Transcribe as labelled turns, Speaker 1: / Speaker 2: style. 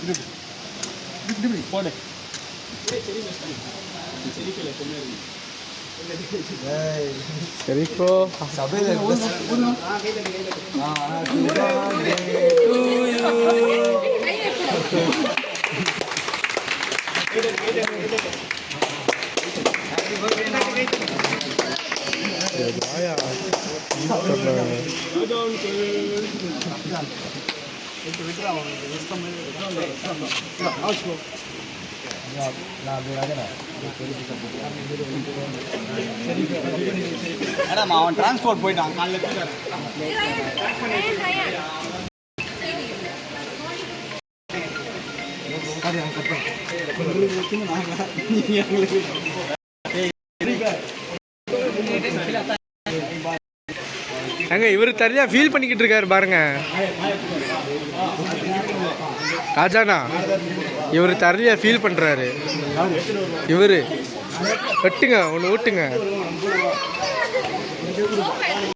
Speaker 1: போடு சரி ப்ரோ சபையில் அவன் டிரான்ஸ்போர்ட் போயிட்டான் அங்க இவரு தனியா ஃபீல் பண்ணிக்கிட்டு இருக்காரு பாருங்க ராஜாண்ணா. இவரு தனியா ஃபீல் பண்றாரு. இவரு வெட்டுங்க ஒன்று ஊட்டுங்க.